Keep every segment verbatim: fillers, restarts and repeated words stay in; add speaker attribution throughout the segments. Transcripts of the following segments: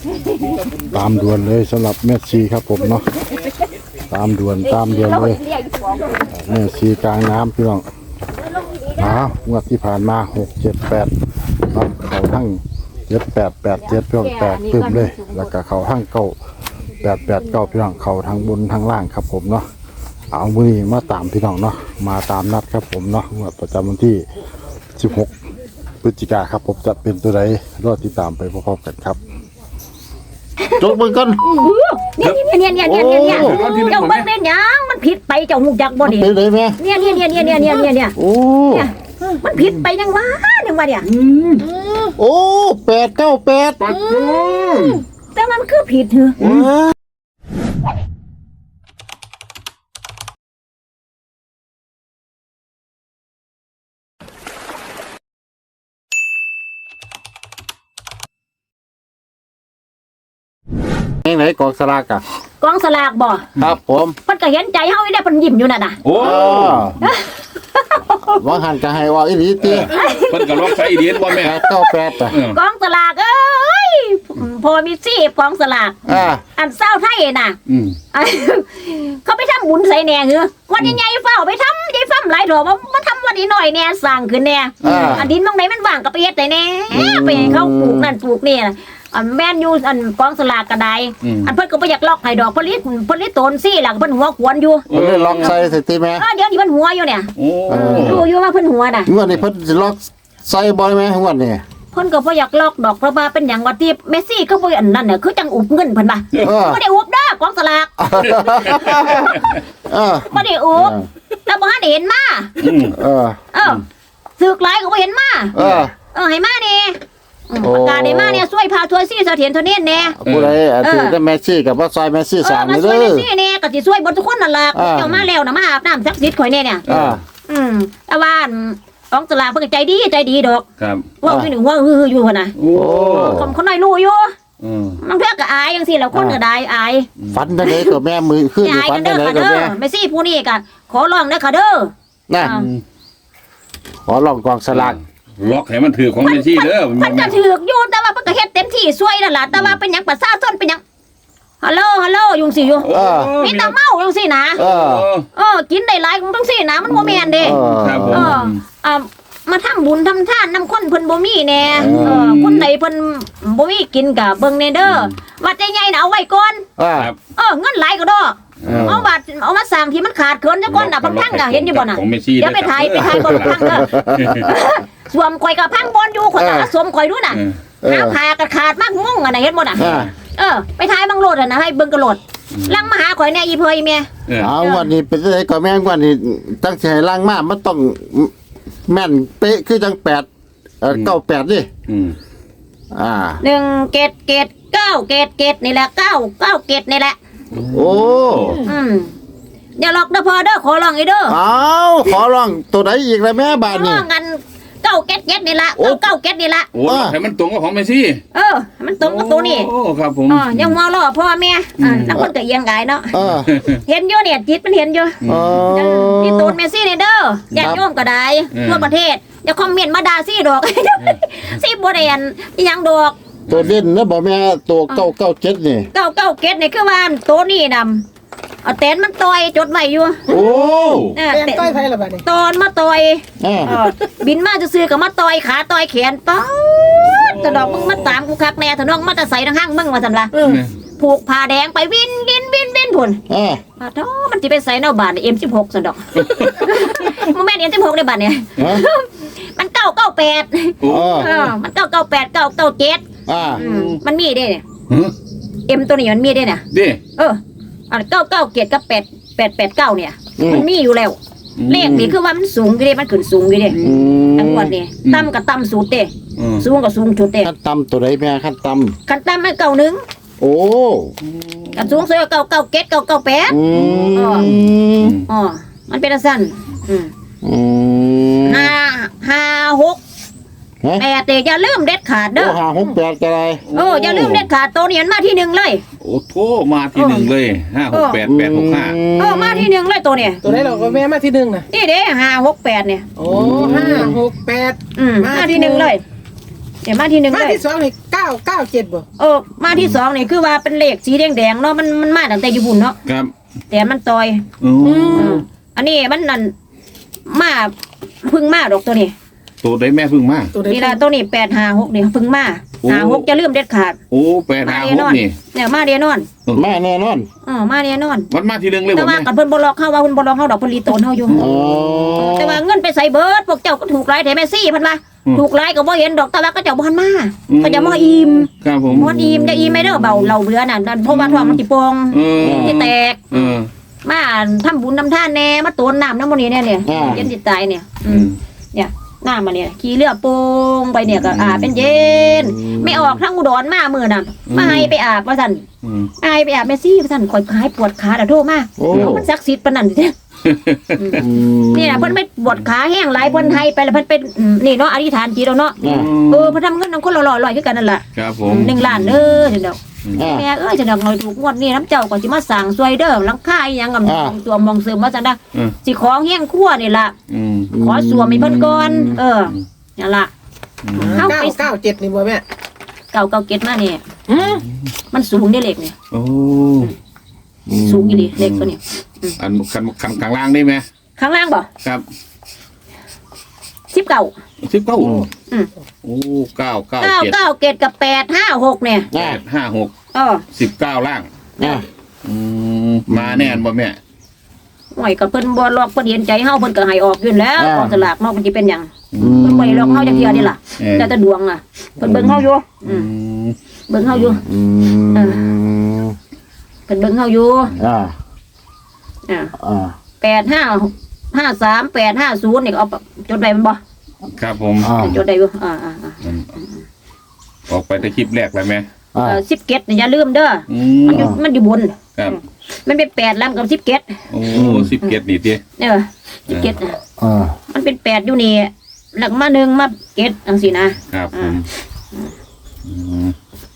Speaker 1: ตามด่วนเลยสำหรับแม่ชีครับผมเนาะตามด่วนตามด่วนเลยแม่ชีกลางน้ำพี่น้องอ้าวงวดที่ผ่านมาหกเจ็ดแปดเนาะเขาทั้งเจ็ดแปดแปดเจ็ดพี่น้องแตกตึมเลยแล้วก็เขาทั้งเก้าแปดแปดเก้าพี่น้องเขาทั้งบนทั้งล่างครับผมเนาะเอามือนี้มาตามพี่น้องเนาะมาตามนัดครับผมเนาะงวดประจำวันที่สิบหกพฤศจิกาครับผมจะเป็นตัวใดรอติดตามไปพร้อมๆกันครับจบมือกัน
Speaker 2: เนี่ยเนี่ยเนี่ยเนี่ยเนี่ยเนี่ยเจ้าเบิ้งเป็นยังมันผิดไปเจ้าหูจักบ่ดิ
Speaker 1: เป็นเลยไหม
Speaker 2: เนี่ยเนี่ยเนี่ยเนี่ยเนี่ยเนี่ยเนี่ย
Speaker 1: โอ้
Speaker 2: มันผิดไปยังวะยังวะเนี่ย
Speaker 1: โอ้แปดเก้าแปด
Speaker 2: แต่มันคือผิดเหรอ
Speaker 1: ไหนกองสลากอะ
Speaker 2: กองสลากบ่
Speaker 1: ครับผม
Speaker 2: เพิ่นก็เห็นใจเฮาอีได้เพิ่นยิ้มอยู่นั่นน่ะ
Speaker 3: โอ้
Speaker 1: ว่าหันก็ให้ว่าอีหลีติ
Speaker 3: เพิ่นก็ลองใช้อีเดียนบ่แม่
Speaker 1: เก้าแปดอ่ะ
Speaker 2: กองสลากเอ้ยพอมีซี่กองสลาก
Speaker 1: อ่า
Speaker 2: อันเศร้าไทยน่ะ
Speaker 3: อืม
Speaker 2: เขาไปทำบุญใส่แหน่เหรอวันใหญ่ๆเฝ้าไปทำใหญ่ฟ้ำหลายดอกมาทำวันนี้หน่อยแหน่สร้างขึ้นแหน่อันดินตรงไหนมันว่างก็ไปเฮ็ดได้แหน่ไปให้เขาปลูกนั่นปลูกนี่อันแม่นอยู่อันกองสลากกระไดอันเพิ่นก็บ่อยากล็อกให้ดอกผลิตผลิตตนซี่ล่ะเพิ่นหัวขวนอยู่
Speaker 1: เพิ่นล็อกใส่สิติแม่
Speaker 2: เดี๋ยวนี้เพิ่นหัวอยู่เนี่ย
Speaker 3: โอ้
Speaker 2: รู้อยู่ว่าเพิ่นหัวน่ะ
Speaker 1: งวดนี้เพิ่นสิล็อกใส่บ่ไหมงวดนี้
Speaker 2: เพิ่นก็บ่อยากล็อกดอกเพราะว่าเป็นหยังว่าที่เมสซี่ก็บ่อันนั้นน่ะคือจังอุบเงินเพิ่นว่าบ่ได้อุบเด้อกองสลาก
Speaker 1: เออ
Speaker 2: บ่ได้อุบแต่บ่ทันได้เห็นมา
Speaker 1: เออ
Speaker 2: เออสึกหลายก็บ่เห็นมา
Speaker 1: เออ
Speaker 2: เออให้มานี่ประกาศได้มาเนี่ยช่วยพาทัวร์ซี่เสถียรตัวนี้แน่
Speaker 1: ผู้ใดถือได้แมซี่กับว่าซอยแมซี่สามนี่เด้อ
Speaker 2: ช่วยแมซี่แน่ก็สิช่วยบ่ทุกคนนั่นล่ะเจ้ามาแล้วน่ะมาอาบน้ำศักดิ์สิทธิ์ข่อยแน่เนี่ยอืมแต่ว่ากองสลากเพิ่นใจดีใจดีดอก
Speaker 3: ครับ
Speaker 2: ว่าคือหนึ่งว่าฮืออยู่หั่นน่ะ
Speaker 3: โอ้
Speaker 2: คนคนน้อยรู้อยู่อืมมันเพิ่นก็อายจังซี่แล้วคนก็ได้อาย
Speaker 1: ฝันจังได๋ก็แม่มือขึ้นอยู่ฝันจังได๋ก็แม่
Speaker 2: แมซี่ผู้นี้ก็ขอร้องเด้อค่ะเด้อ
Speaker 1: น่ะขอร้องกองสลาก
Speaker 3: ล็อกให้มันถือของแม่ชีเด้อ
Speaker 2: มันจะถืออยู่แต่ว่าเพิ่นก็เฮ็ดเต็มที่ช่วยนั่นล่ะแต่ว่าเป็นหยังประชาชนเป็นหยังฮัลโหลฮัลโหลยุงสิอยู่มีแต่เมาจังซี่นะ
Speaker 1: เออ
Speaker 2: เออกินได้หลายจังซี่นะมันบ่แม่นเด้
Speaker 3: ครับผม
Speaker 2: เอออ่ามาทำบุญทำทานนำคนเพิ่นบ่มีแน่เออคนใดเพิ่นบ่มีกินก็เบิ่งแน่เด้อวัดใหญ่ๆน่ะเอาไว้ก่อนเออเงินหลายก็ดอกเอาบาทเอามาสั่งที่มันขาดเขินซะก่อนน่ะพังๆก็เห็นอยู่บ่น่ะเดี๋ยวไปถ่ายไปถ่ายบ่พังเด้อสวมข่อยก็พังบอนอยู่ข่อยก็สวมข่อยดูน่ะหาผ้าก็ขาดมากงงอ่ะน่ะเห็นบ่น่ะเออไปถ่ายบังโลดอ่ะนะให้เบิ่งกระโลดลังมาหาข่อยแน่อีเพยแม่
Speaker 1: เอาวันนี้เป็นจังได๋ก็แม่งวันนี้ตั้งสิให้ลังมามันต้องแม่นเป๊ะคือจังแปดเอ่อเก้าแปดดิ
Speaker 3: อืม
Speaker 1: อ่า
Speaker 2: หนึ่งเกตเกตเก้าเกตเกตนี่แหละเก้าเก้าเกตนี่แหละ
Speaker 1: โอ้
Speaker 2: อืมอย่าหลอกเด้อพอเด้อขอร้องอีเด้อ
Speaker 1: อ้าวขอร้องตัวไหนอีกล่ะแม่บาดนี้
Speaker 2: งั้นเก้าเกตเกตนี่ละเก้าเก้าเกตนี่ละ
Speaker 3: โอ้ให้มันตรงกับของแม่ชี
Speaker 2: เออมันตรงกับตัวนี้
Speaker 3: โอ้ครับผม
Speaker 2: อ๋อยังมอล่อพ่อแม่อ่านักคนก็เอียงกายเนาะเห็นอยู่เนี่ยจิตมันเห็นอยู่นี่ตูนเมซี่นี่เด้อญาติโยมก็ได้ทั่วประเทศอย่าคอมเมนต์มาด่าซี่ดอกซี่บ่ได้อันอีหยังดอก
Speaker 1: ตัวเด่นนะบ่แม่ตัวเก้าเก้าเจ็ดนี่
Speaker 2: เก้าเก้าเจ็ดนี่คือว่าตัวนี้นำเอาแตนมันต่อยจดไว้อยู่
Speaker 1: โอ้
Speaker 2: แตนต่อยไผล่ะบัดนี้ตอนมาต่อยเออบินมาซื่อๆก็มาต่อยขาต่อยแขนป๊าดตะดอกมึงมาตามกูคักแน่ถนนมาแต่ใส่ทางห้างมึงว่าซั่นล่ะผูกผ้าแดงไปวินวินวินวินพุ่นเอออ้าวมันสิไปใส่แนวบาด เอ็ม สิบหก ซั่นดอกบ่แม่น เอ็ม สิบหก ได้บัดเนี่ยมันเก้าเก้าแปดเออมันเก้าเก้าแปด เก้าเก้าเจ็ดอ่ามันมีเด้เนี่ยเอ็มตัวนี้มันมีเด้น่ะ
Speaker 3: เด้
Speaker 2: เอออันเก้าเก้าเจ็ดกับแปด แปด แปด เก้าเนี่ยมันมีอยู่แล้วเลขนี่คือว่ามันสูงอยู่เด้มันขึ้นสูงอยู่เด้ทั้งหมดนี่ต่ำก็ต่ำสุดเด้สูงก็สูงสุดเด้
Speaker 1: ขั้นต่ำตัวใดแม่ขั้นต่
Speaker 2: ำขั้นต่ำมันเก้าหนึ่ง
Speaker 1: โอ้
Speaker 2: ขั้นสูงสุดเก้าเก้าเจ็ด เก้าเก้าแปดอ๋ออ๋อมันเป็นสั้นอืมห้าห้าหกแปดแต่อย่าลืมเด็ดขาดเด้อ
Speaker 1: ห้าหกแปดอะไร
Speaker 2: โอ้อย่าลืมเด็ดขาดตัวนี้มันมาที่หนึ่งเลย
Speaker 3: โอ้โถมาที่หนึ่งเลยห้าหกแปดแปดหกห้า
Speaker 2: โอ้มาที่หนึ่งเลยตัวนี้
Speaker 4: ตัวไหนเราก็แม่มาที่หนึ่งนะ
Speaker 2: นี่เด้ห้าหกแปดเนี่ย
Speaker 4: โอ้ห้าหกแปด
Speaker 2: อืมมาที่หนึ่งเลยเดี๋ยวมาที่หนึ่งเลย
Speaker 4: มาที่สองนี่เก้าก้าเก้าเจ็ดบ่
Speaker 2: เออมาที่สองนี่คือว่าเป็นเลขสีแดงๆเนาะมันมันมาตั้งแต่ญี่ปุ่นเนาะ
Speaker 3: ครับ
Speaker 2: แต่มันตอย
Speaker 3: โอ้
Speaker 2: เอออันนี้มันนั่นมาเพึ่งมาดอกตัวนี้
Speaker 3: ตัวได้แม่พึ่งมา
Speaker 4: ตัวใด
Speaker 2: นี่ละตัวนี้แปดห้าหกนี่เพึ่งมา
Speaker 3: โอ้
Speaker 2: ห้าหกจะลืมเด็ดขาด
Speaker 3: โอ้แปดห้าหกนี่
Speaker 2: เนี่ยมาเดียนอน
Speaker 1: แม่แน่นอน
Speaker 2: เออมาเดียนอน
Speaker 3: มันมาทีหนึงเลย
Speaker 2: แต่
Speaker 3: บ่
Speaker 2: ว่า
Speaker 3: แม่
Speaker 2: กับเพิ่นบ่ล็อกเข้าว่าเพิ่นบ่ล็อกเข้าดอกเพิ่นรีโตนเฮาอยู่
Speaker 1: อ๋อ
Speaker 2: แต่ว่าเงินไปใส่เบิดพวกเจ้าก็ถูกหลายแถมแม่ซี่เพิ่นว่าถูกหลายก็บ่เห็นดอกแต่ว่าก็เจ้าบ่ทันมาก็จะมาอิ่ม
Speaker 3: ครับผม
Speaker 2: บ่อิ่มจะอิ่มไม่เด้อเบาเราเบื่อน่ะนั่นเพราะว่าท้องมันสิโป่ง
Speaker 3: เออ
Speaker 2: สิแตก
Speaker 3: เออ
Speaker 2: มาทำบุญทำทานแน่มาโตนน้ำน้ำมันนี้เนี่ยเนี่ยเย็นจิตใจเนี่ย อื
Speaker 3: อื
Speaker 2: ม
Speaker 3: ม
Speaker 2: เนี่ยน้ำมาเนี่ยขี่เรือโป่งไปเนี่ยก็อาบเป็นเย็น ไม่ออกทั้งอุดรมามือน่ะมาให้ไปอาบว่าสั่น
Speaker 3: อืม
Speaker 2: ให้ไปอาบแม่ซี่ว่าสั่นคอยหายปวดขาแต่โทษมาก
Speaker 1: โอ้
Speaker 2: มันศักดิ์สิทธิ์ปานนั้นเด้
Speaker 1: อืม
Speaker 2: นี่นะเพิ่นไม่ปวดขาแห้งหลายเพิ่นให้ไปแล้วเพิ่นเป็นอืมนี่เนาะอธิษฐานจิตเอาเนาะ
Speaker 1: อ่า
Speaker 2: เออเพิ่นทำเงินนำคนละร้อยๆคือกันนั่นแหละ
Speaker 3: ครับผม
Speaker 2: หนึ่งล้านเด้อจังเดอก
Speaker 1: อ่า
Speaker 2: แม่เอ้ยจังเดอกหน่อยถูกงวดนี้น้ำเจ้าก็สิมาสั่งซวยเด้อหลังคาอีหยังกับ
Speaker 1: อ่า
Speaker 2: ตัวมองเสริมว่าซั่นนะ
Speaker 3: เออ
Speaker 2: สิของเฮียงครัวนี่ล่ะ
Speaker 3: อืม
Speaker 2: ขอสวมให้เพิ่นก่อน เออนั่นล่ะ เอ้า
Speaker 4: เก้า
Speaker 2: ไป
Speaker 4: เก้าเจ็ดนี่บ่แม่
Speaker 2: เก่าเก่าเก็ตมานี่
Speaker 4: อืม
Speaker 2: มันสูงได้เหล็กนี่
Speaker 3: โอ้
Speaker 2: สูงอีหลีเหล็กตัวนี้
Speaker 3: อันคันคันข้างล่างได้ไหม
Speaker 2: ข้างล่างบ่
Speaker 3: ครับ
Speaker 2: สิบเก้า
Speaker 3: สิบเก้า
Speaker 2: อืม
Speaker 3: โอ้เก้าเก้า
Speaker 2: เก้า
Speaker 3: เจ็ด
Speaker 2: เก้าเกตกับแปดห้าหกเนี่ย
Speaker 3: แปดห้าหก
Speaker 2: เออ
Speaker 3: สิบเก้าล่าง
Speaker 1: อ่า
Speaker 3: อืมมาแน่นบ่แม่
Speaker 2: หน่อยกับเพิ่นบ่ลอกเพิ่นเห็นใจเฮาเพิ่นก็ให้ออกอยู่แล้วกองสลากเนาะมันสิเป็นหยัง
Speaker 1: อืม
Speaker 2: เพิ่นบ่ได้ลอกเฮาจักเที่ยนี่ล่ะ
Speaker 3: เออ
Speaker 2: แต่แต่ดวงอ่ะเพิ่นเบิ่งเฮาอยู่อื
Speaker 3: อื
Speaker 2: ม
Speaker 3: ม
Speaker 2: เบิ่งเฮาอยู่
Speaker 1: อืม
Speaker 2: เพิ่นเบิ่งเฮาอยู่
Speaker 1: อ่า
Speaker 2: อ่า
Speaker 1: อ่า
Speaker 2: แปดห้าห้าสามแปดห้าศูนย์นี่ก็เอาจดไว้มันบ่
Speaker 3: ครับผม
Speaker 1: อ่า
Speaker 2: จดได้อยู่อ่าอ่าอ่า
Speaker 3: อืมออกไปแต่คลิปแรกแล้วไหม
Speaker 1: อ่า
Speaker 2: เออสิบเกตนี่อย่าลืมเด้อ
Speaker 3: อื
Speaker 2: อ
Speaker 3: ม
Speaker 2: มันอยู่มันอยู่บน
Speaker 3: ครับ
Speaker 2: มันเป็นแปดแล้วกับสิบเกต
Speaker 3: โอ้สิบเกตนี่ที
Speaker 2: เออสิบเกตอ่ะ
Speaker 1: อ่า
Speaker 2: มันเป็นแปดอยู่นี่หลักมาหนึ่งมาเกตจังสินะครับ
Speaker 3: ผมอืม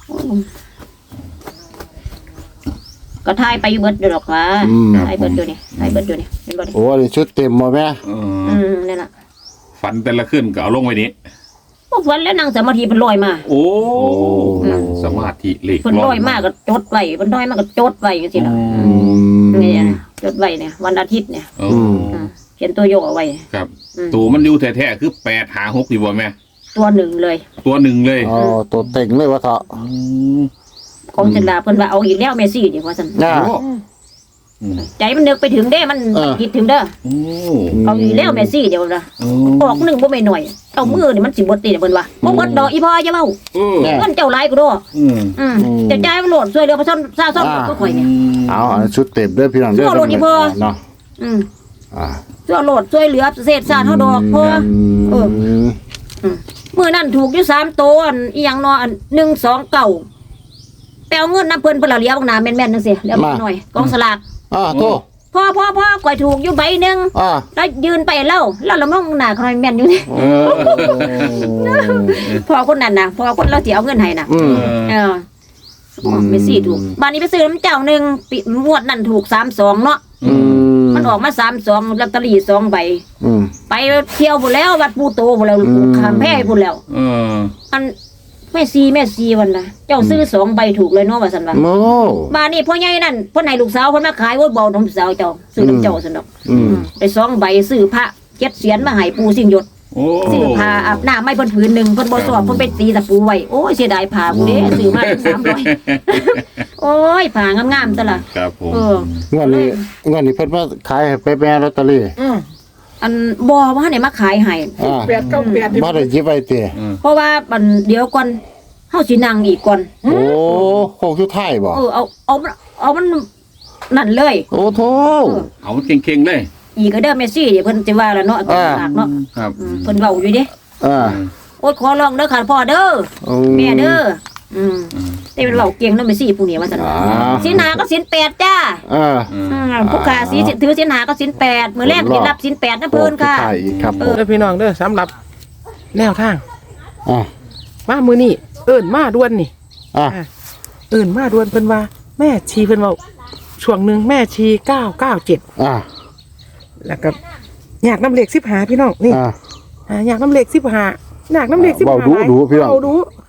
Speaker 2: ก็ทายไปอยู่เบิดอยู่หรอกว่า
Speaker 1: อืม
Speaker 2: ทายเบิดอยู่นี่ทายเบิดอยู่นี่เป็นบ่ดิ
Speaker 1: โอ้นี่ชุดเต็มมาแม่
Speaker 3: เอ
Speaker 2: อื
Speaker 3: อ
Speaker 2: มนั่นล่ะ
Speaker 3: ฝันแต่ละขึ้นก็เอาลงไว้นี้
Speaker 2: พวกวันแล้วนั่งสมาธิเพิ่นลอยมา
Speaker 3: โอ้สมาธิเหล็ก
Speaker 2: เพิ่นลอยมากก็จดไว้เพิ่นลอยมากก็จดไว้จังซี่ล่ะ
Speaker 1: อืม
Speaker 2: นี่นะจดไว้เนี่ยวันอาทิตย์เนี่ย
Speaker 3: โอ้
Speaker 1: อืม
Speaker 2: อืมเขียนตัวโยกเอาไว้
Speaker 3: ครับ
Speaker 2: อืม
Speaker 3: ตัวมันอยู่แท้ๆคือแปดหาหกดีบ่แม่
Speaker 2: ตัวหนึ่งเลย
Speaker 3: ตัวหนึ่งเลย
Speaker 1: อ๋อตัวเต็งเลยวะเถอะ
Speaker 3: อืม
Speaker 2: ของศิลาเพิ่นว่าเอาอีกแล้วเมสซี่นี่ว่าซั่น
Speaker 1: อ่า
Speaker 3: โอ้อืม
Speaker 2: ใจมันนึกไปถึงเด้มัน
Speaker 1: เออ
Speaker 2: คิดถึงเด้อ
Speaker 3: โอ้
Speaker 2: เอาอีกแล้วเมสซี่เดี๋ยวนะ
Speaker 3: โอ้
Speaker 2: ออกหนึ่งบ่แม่นหน่อยเอามือนี่มันสิบ่ติเพิ่นว่าบ่เบิดดอกอีพ่ออย่าเว้า
Speaker 3: เออ
Speaker 1: แน่
Speaker 2: เงินเจ้าหลายกูดอก
Speaker 3: อืม
Speaker 2: อืมจะจ่ายมันโหลดช่วยเหลือประชาชนชาวซ่อมก็ข่อยเนี่ย
Speaker 1: เอาอันนชุดเต็มเด้อพี่น้องเด้อ
Speaker 2: เอาโลดดิพ่อ
Speaker 1: เนาะ
Speaker 2: อืม
Speaker 1: อ่า
Speaker 2: ช่วยโหลดช่วยเหลือเศษชาติเฮาดอกพ่อ เออ
Speaker 1: ม
Speaker 2: มื้อนั้นถูกอยู่สามตัวอันอีหยังเนาะอันหนึ่ง สอง เก้าไปเอาเงินนํเพิ่นเพิ่นละเหลียบักหน้าแม่นๆจังซี่เหลียบักหน่อยกองสลาก
Speaker 1: อ่าโต
Speaker 2: พ่อพ่อพ่อข่อยถูกอยู่ใบหนึง
Speaker 1: อ่า
Speaker 2: แล้วยืนไปเล่าแล้วเรามองหน้าเขาแม่นอยู่นี่
Speaker 3: เออ
Speaker 2: พอคนนั้นนะพอคนเราสิเอาเงินให้น่ะ
Speaker 1: อืม
Speaker 2: เอออ๋อไม่สี่ถูกบ้านนี้ไปซื้อน้ำเจ้าหนึ่งปีงวดนั่นถูกสามสองเนาะ
Speaker 1: อืม
Speaker 2: มันออกมาสามสองลอตเตอรี่สองใบ
Speaker 1: อืม
Speaker 2: ไปเที่ยวหมดแล้ววัดปูโตหมดแล้ว
Speaker 1: อืม
Speaker 2: ขามแพ้หมดแล้ว
Speaker 3: เออ
Speaker 2: อันแม่ซีแม่ซีวันนะเจ้าซื้อสองใบถูกเลยเนาะว่าสันว่า
Speaker 1: โม
Speaker 2: บ้านนี้พ่อใหญ่นั่นพ่อไหนลูกสาวพ่อมาขายว่าเบาน้องสาวเจ้าซื้อน้ำเจ้าสันดอก
Speaker 1: อืม
Speaker 2: ไปสองใบซื้อพระเจ็ดเสียนมาให้ปูสิ่งหยด
Speaker 3: โอ้
Speaker 2: ซื้อผ้าอาบน้ำไม่เพิ่นผืนหนึ่งเพิ่นบ่สอบเพิ่นไปตีตะปูไว้โอ้ยเสียดายผ้ากูเด้ซื้อมาสามร้อยโอ้ยผ้างามๆซะล่ะ
Speaker 3: ครับผม
Speaker 2: เออ
Speaker 1: เงินนี้เงินนี้เพิ่นว่าขายให้ไปแม่ลอตเตอรี่
Speaker 4: อืม
Speaker 2: อันบ่ว่าให้มาขายให้
Speaker 1: อ่า
Speaker 4: แปดเก้าแปดนี่
Speaker 1: บ่ได้หยิบไว้ติ
Speaker 2: เพราะว่ามันเดี๋ยวก่อนเฮาสินั่งอีกก่อน
Speaker 1: โอ้โคงสุดท้ายบ่
Speaker 2: เออเอาเอามันเอามันนั่นเลย
Speaker 1: โอ้โธ่
Speaker 3: เอาเก่งๆเลย
Speaker 2: อีกก็เด้อเมสซี่เดี๋ยวเพิ่นสิว่าแล้วเนาะ
Speaker 1: อ่า
Speaker 2: ฝากเนาะ
Speaker 3: ครับ
Speaker 2: อืมเพิ่นเว้าอยู่เด้
Speaker 1: อ่า
Speaker 2: โอ้ยขอร้องเด้อค่ะพ่อเด้อ
Speaker 1: อื
Speaker 2: แม่เด้ออืมแต่เป็นเว้าเก่งเนาะเมสซี่ผู้นี้ว่าซั่น
Speaker 1: อ่า
Speaker 2: สินหาก็สินแปดจ้า
Speaker 1: อ่า
Speaker 2: อืมผู้ขาสีถือสินหาก็สินแปดมื้อแรกสิรับสินแปดนะเพิ่นค่ะ
Speaker 1: โอ้สุดท้ายอีกครับผม
Speaker 4: เด้อพี่น้องเด้อสำหรับแนวทาง
Speaker 1: อ่า
Speaker 4: มามือนี่เอิ้นมาด่วนนี่
Speaker 1: อ่า
Speaker 4: เอิ้นมาด่วนเพิ่นว่า แม่ชีเพิ่นเว้าช่วงหนึงแม่ชีเก้าเก้าเจ็ด
Speaker 1: อ่า
Speaker 4: แล้วก็อยากน้ำเหล็กสิบหาพี่น้องนี่
Speaker 1: อ่า
Speaker 4: อ่าอยากน้ำเหล็กสิบหาอยากน้ำเหล็กสิบ
Speaker 1: เว้า
Speaker 4: หา
Speaker 1: ดูดูพี่น้อง
Speaker 4: เว้าดู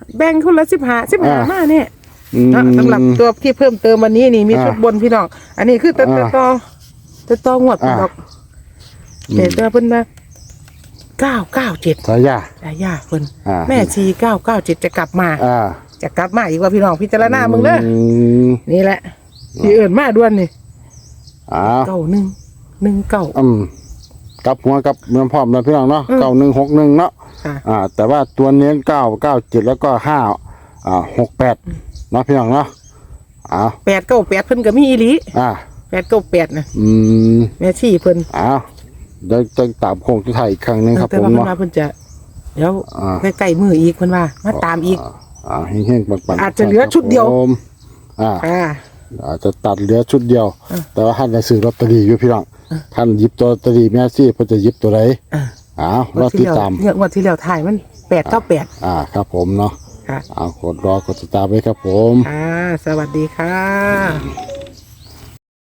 Speaker 4: แบ่งคนละสิบห้าสิบห้ามาเนี่ย
Speaker 1: อืม
Speaker 4: เนาะสำหรับตัวที่เพิ่มเติมวันนี้นี่มี
Speaker 1: อ่า
Speaker 4: ชุดบนพี่น้องอันนี้คือตัว
Speaker 1: อ่า
Speaker 4: ตัวต่อตัวต่องวดพี่น้อง
Speaker 1: อืม
Speaker 4: แต่ตัวเพิ่นมาเก้าเก้าเจ็ด
Speaker 1: สายา
Speaker 4: ยาย่าเพิ่น
Speaker 1: อ่า
Speaker 4: แม่ชีเก้าเก้าเจ็ดจะกลับมา
Speaker 1: อ่า
Speaker 4: จะกลับมาอีกว่าพี่น้องพิจารณามึงเด้อ
Speaker 1: ม
Speaker 4: นี่แหละที่เอิ่นมาด่วนนี่
Speaker 1: อ้าว
Speaker 4: เก้าหนึ่งหนึ่งเก้า
Speaker 1: อืมกลับหัวกับเมืองพร้อมแล้วพี่น้องเนาะ
Speaker 4: อืม
Speaker 1: เก้าหนึ่งหกหนึ่งเนาะ
Speaker 4: ค่ะ
Speaker 1: อ่า แต่ว่าตัวเน้นเก้าเก้าเจ็ดแล้วก็ห้าอ่าหกแปดเนาะพี่น้องเนาะอ้าว
Speaker 4: แปดเก้าแปดเพิ่นก็มีอีหลี
Speaker 1: อ่า
Speaker 4: แปดเก้าแปดนะ
Speaker 1: อืม
Speaker 4: แม่ชีเพิ่น
Speaker 1: อ้าวเดี๋ยวจะตามโค้งที่ไทยอีกครั้งหนึงครับ
Speaker 4: แต่
Speaker 1: ผม
Speaker 4: ว่าเพิ่น
Speaker 1: เนาะ
Speaker 4: ว่าเพิ่นจะเดี๋ยว
Speaker 1: อ่า
Speaker 4: ใกล้ๆมืออีกเพิ่นว่ามาตามอีก
Speaker 1: อ่าเฮงๆปังๆ
Speaker 4: อาจจะเหลือชุดเดียว
Speaker 1: ครับผมอ่า
Speaker 4: อ่า
Speaker 1: อาจจะตัดเหลือชุดเดียว
Speaker 4: อ่ะ
Speaker 1: แต่ว่าท่านจะซื้อลอตเตอรี่อยู่พี่น้องท่านหยิบตัวลอตเตอรี่แม่ซี่เพื่อจะหยิบตัวไหน
Speaker 4: อ่า
Speaker 1: อ้าวรอติดตาม
Speaker 4: เนี่ยงวันที่แล้วถ่ายมันแปดเก้าแปด
Speaker 1: อ่าครับผมเนาะ
Speaker 4: ค่ะ
Speaker 1: อ้าวกดรอกดติดตามไว้ครับผม
Speaker 4: อ่าสวัสดีค่ะ